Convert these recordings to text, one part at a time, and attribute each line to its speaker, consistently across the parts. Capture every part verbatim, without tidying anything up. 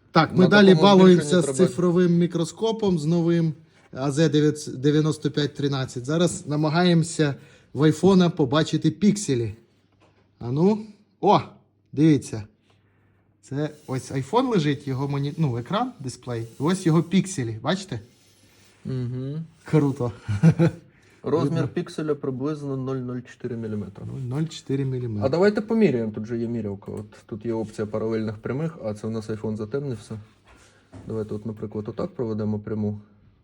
Speaker 1: Так, ми
Speaker 2: На
Speaker 1: далі
Speaker 2: такому
Speaker 1: балуємося
Speaker 2: збільшенні
Speaker 1: з
Speaker 2: треба-
Speaker 1: цифровим мікроскопом, з новим А З дев'яносто п'ять тринадцять. Зараз намагаємося в айфона побачити пікселі. А ну, о, дивіться. Це ось айфон лежить, його моні... ну, екран, дисплей. Ось його пікселі, бачите?
Speaker 2: Угу.
Speaker 1: Круто.
Speaker 2: Розмір пікселя приблизно нуль цілих нуль чотири міліметра.
Speaker 1: нуль цілих чотири
Speaker 2: А
Speaker 1: міліметри.
Speaker 2: давайте поміряємо, тут же є мірявка. От тут є опція паралельних прямих, а це у нас iPhone затемнився. Давайте, от, наприклад, отак проведемо пряму.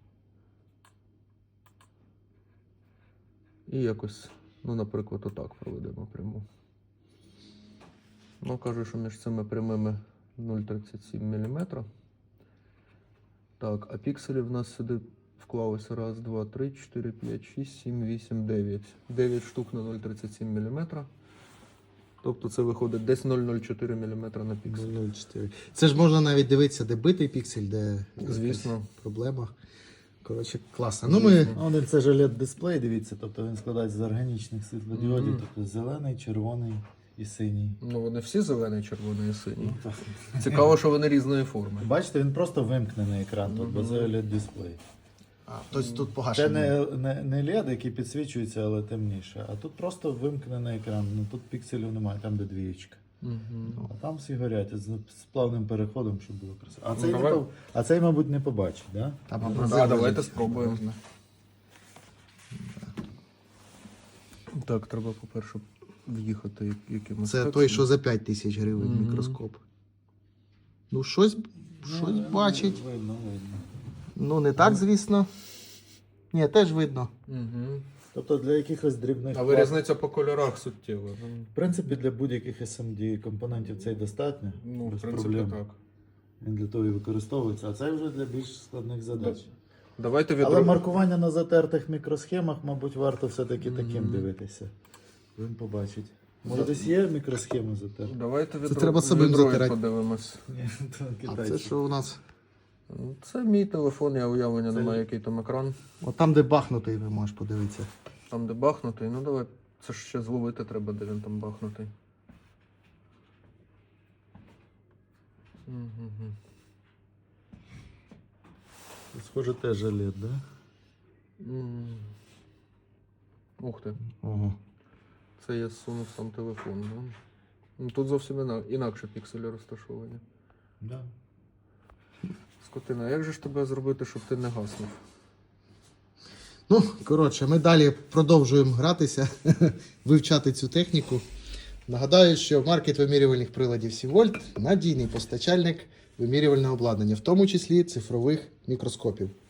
Speaker 2: І якось, ну, наприклад, отак проведемо пряму. Ну, кажу, що між цими прямими нуль цілих тридцять сім міліметра. Так, а пікселів в нас сюди вклалося раз, два, три, чотири, п'ять, шість, сім, вісім, дев'ять. дев'ять штук на нуль цілих тридцять сім міліметра. Тобто це виходить десь нуль цілих нуль чотири міліметра на піксель.
Speaker 1: нуль цілих чотири. Це ж можна навіть дивитися, де битий піксель, де
Speaker 2: Звісно.
Speaker 1: якась проблема. Коротше, класно. Ну, ми...
Speaker 3: А один це ж ел і ді-дисплей, дивіться, тобто він складається з органічних світлодіодів,
Speaker 2: Мгм.
Speaker 3: тобто зелений, червоний і синій.
Speaker 2: Ну, вони всі зелений, червоний і синій. Цікаво, що вони різної форми.
Speaker 3: Бачите, він просто вимкнений екран, тут
Speaker 2: Мгм.
Speaker 3: бо це ел і ді-дисплей.
Speaker 1: А, тобто тут
Speaker 3: Це
Speaker 1: погашено.
Speaker 3: не, не, не ел і ді, який підсвічується, але темніше, а тут просто вимкнений екран, ну тут пікселів немає, там де двієчка.
Speaker 2: Угу.
Speaker 3: А там всі горять з, з плавним переходом, щоб було красиво. А
Speaker 2: Ну,
Speaker 3: цей, не
Speaker 2: давай.
Speaker 3: по- а цей, мабуть, не побачить, да?
Speaker 1: Там
Speaker 2: Ну,
Speaker 1: абразив
Speaker 2: да, давайте
Speaker 1: лежить.
Speaker 2: спробуємо. Так, треба, по-перше, в'їхати як- якимось.
Speaker 1: Це
Speaker 2: текстом.
Speaker 1: той, що за п'ять тисяч гривень
Speaker 2: Мгм.
Speaker 1: мікроскоп. Ну, щось, щось
Speaker 3: Ну,
Speaker 1: бачить.
Speaker 3: Видно, видно.
Speaker 1: Ну, не так, звісно. Ні, теж видно.
Speaker 2: Угу.
Speaker 3: Тобто для якихось дрібних...
Speaker 2: Але
Speaker 3: плат-
Speaker 2: різниця по кольорах суттєва. Ну,
Speaker 3: В принципі, для будь-яких ес ем ді компонентів цей достатньо.
Speaker 2: Ну, в
Speaker 3: без
Speaker 2: принципі,
Speaker 3: проблем.
Speaker 2: так.
Speaker 3: Він для того і використовується, а це вже для більш складних задач.
Speaker 2: Давайте
Speaker 3: Але
Speaker 2: відро...
Speaker 3: маркування на затертих мікросхемах, мабуть, варто все-таки таким
Speaker 2: Мгм.
Speaker 3: дивитися. Він побачить. Може, десь є мікросхеми затерті?
Speaker 2: Давайте відро...
Speaker 1: треба самим
Speaker 2: відро
Speaker 1: затирати.
Speaker 2: подивимось.
Speaker 3: Ні, то
Speaker 1: А це
Speaker 3: китайці.
Speaker 1: що у нас?
Speaker 2: Ну, Це мій телефон, я уявлення
Speaker 3: Це-
Speaker 2: немає, який там екран.
Speaker 1: От там, де бахнутий, ви можеш подивитися.
Speaker 2: Там, де бахнутий, ну давай, це ж ще зловити треба, де він там бахнутий. Угу.
Speaker 3: Схоже, теж ел і ді, да?
Speaker 2: Ух ти,
Speaker 1: Ого.
Speaker 2: це я зсунув сам телефон. Да? Ну, тут зовсім іна... інакше пікселі розташовані.
Speaker 3: Да.
Speaker 2: Скотина, як же ж тебе зробити, щоб ти не гаснув?
Speaker 1: Ну, коротше, ми далі продовжуємо гратися, вивчати цю техніку. Нагадаю, що маркет вимірювальних приладів Сівольт – надійний постачальник вимірювального обладнання, в тому числі цифрових мікроскопів.